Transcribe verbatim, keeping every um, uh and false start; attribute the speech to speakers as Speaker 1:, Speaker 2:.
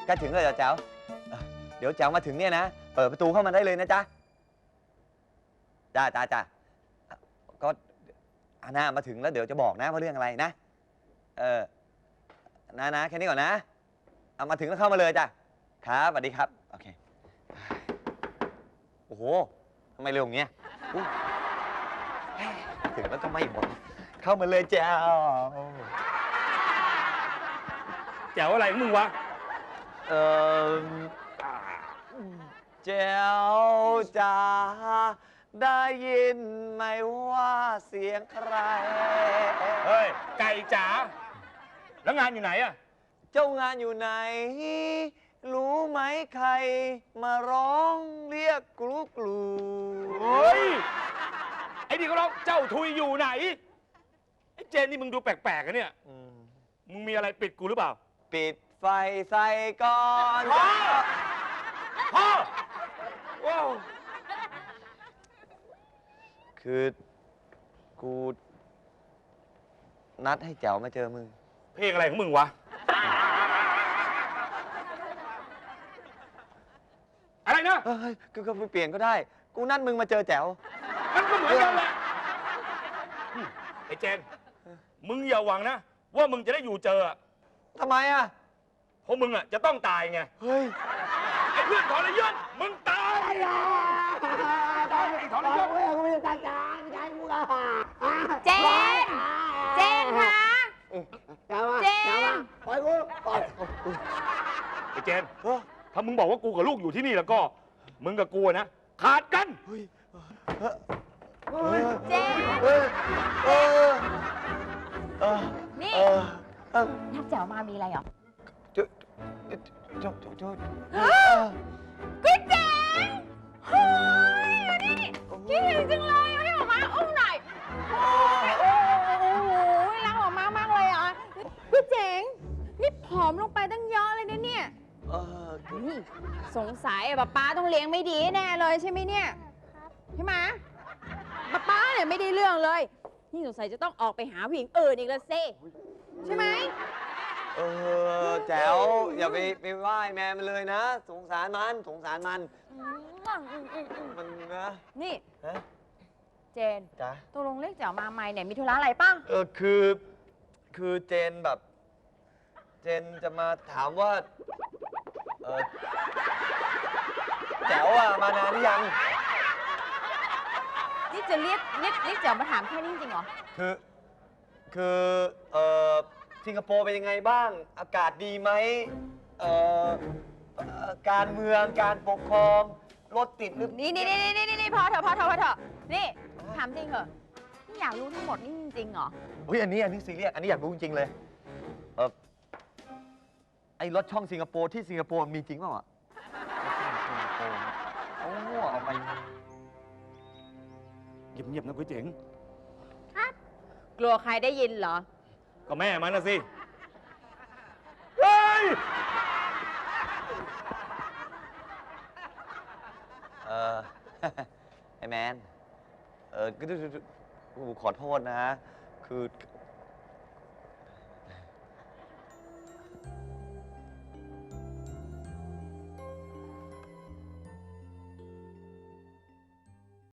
Speaker 1: ใกล้ถึงแล้วเหรอแจ๋วเดี๋ยวแจ๋วมาถึงเนี่ยนะเปิดประตูเข้ามาได้เลยนะจ๊ะจ้าจ้าจ้าก็อาน่ามาถึงแล้วเดี๋ยวจะบอกนะว่าเรื่องอะไรนะเออนะนะแค่นี้ก่อนนะเอามาถึงแล้วเข้ามาเลยจ้ะครับสวัสดีครับโอเคโอ้โหทำไมเร็วอย่างเงี้ยถึงแล้วก็ไม่หมดเข้ามาเลยแจ๋ว
Speaker 2: แจ๋วอะไรของมึงวะ
Speaker 1: เออแจ๋วจ๋าได้ยินไหมว่าเสียงใคร
Speaker 2: เฮ้ยไก่จ๋าแล้วงานอยู่ไหนอะ
Speaker 1: เจ้างานอยู่ไหนรู้ไหมใครมาร้องเรียกกลูกลู
Speaker 2: เฮ้ยไอ้นี่เขาร้องเจ้าทุยอยู่ไหนไอ้เจนนี่มึงดูแปลกๆอะเนี่ยมึงมีอะไรปิดกูหรือเปล่า
Speaker 1: ปิดไฟใส่ก่อน
Speaker 2: พ่อพ่อว้าว
Speaker 1: คือกูนัดให้แจ๋วมาเจอมึง
Speaker 2: เพลงอะไรของมึงวะอะไรนะ
Speaker 1: เฮ้ยก็ก็เปลี่ยนก็ได้กูนัดมึงมาเจอแจ๋ว
Speaker 2: มันก็เหมือนกันแหละไอ้เจนมึงอย่าหวังนะว่ามึงจะได้อยู่เจอ
Speaker 1: ทำไมอ่ะ
Speaker 2: เพราะมึงอ่ะจะต้องตายไง
Speaker 1: เฮ้ย
Speaker 2: ไอ้เพื่อนทรยศมึงตายทรยศ
Speaker 3: เจนเจนคะเจน
Speaker 2: ปล่อยกูปล่อยไอ้เจนถ้ามึงบอกว่ากูกับลูกอยู่ที่นี่แล้วก็มึงกับกูนะขาดกัน
Speaker 3: เจนนี่นักแจ๋วมามีอะไรหรอ
Speaker 1: จุดจุดจุดจุด
Speaker 3: พี่เจนเฮ้ยนี่คิดถึงจังเลยให้ออกมาอุ้มหน่อยโอ้โหรักออกมามากเลยอ่ะพี่เจ๋งนี่ผอมลงไปตั้งเยอะเลยนะเนี่ยนี่สงสัยป้าป้าต้องเลี้ยงไม่ดีแน่เลยใช่ไหมเนี่ยใช่ไหมป้าป้าเนี่ยไม่ได้เรื่องเลยนี่สงสัยจะต้องออกไปหาผู้หญิงอื่นอีกแล้วสิใช่ไหม
Speaker 1: เออแจ๋วอย่าไปไปไหว้แม่มันเลยนะสงสารมันสงสารมันมันนะ
Speaker 3: นี่เจน
Speaker 1: จ้ะ
Speaker 3: ตกลงเรียกแจ๋วมาใหม่เนี่ยมีธุระอะไรป่ะ
Speaker 1: เออคือคือเจนแบบเจนจะมาถามว่าเออแจ๋วอะมานานหรือยัง
Speaker 3: นี่จะเรียกเรียกเรียกแจ๋วมาถามแค่นี้จริงเหรอ
Speaker 1: คือคือเออสิงคโปร์เป็นยังไงบ้างอากาศดีไหมเอ่อการเมืองการปกครองรถติดหรือ
Speaker 3: นี่นี่นี่นี่นี่นี่พอเถอะพอเถอะพอเถอะนี่ถามจริงเหรอนี่อยากรู้ทั้งหมดนี่จริงเหรอ
Speaker 1: อุ้ยอันนี้อันนี้ซีเรียสอันนี้อยากรู้จริงๆเลยเออไอ้รถช่องสิงคโปร์ที่สิงคโปร์มีจริงเปล่าอ่ะโอ้โหเอาไป
Speaker 2: เงียบๆนะกุ้ยเจ๋ง
Speaker 3: ครับกลัวใครได้ยินเหรอ
Speaker 2: ก็แม่มันนะสิเฮ้ย
Speaker 1: เออไอ้แมนเออก็ขอโทษนะคือ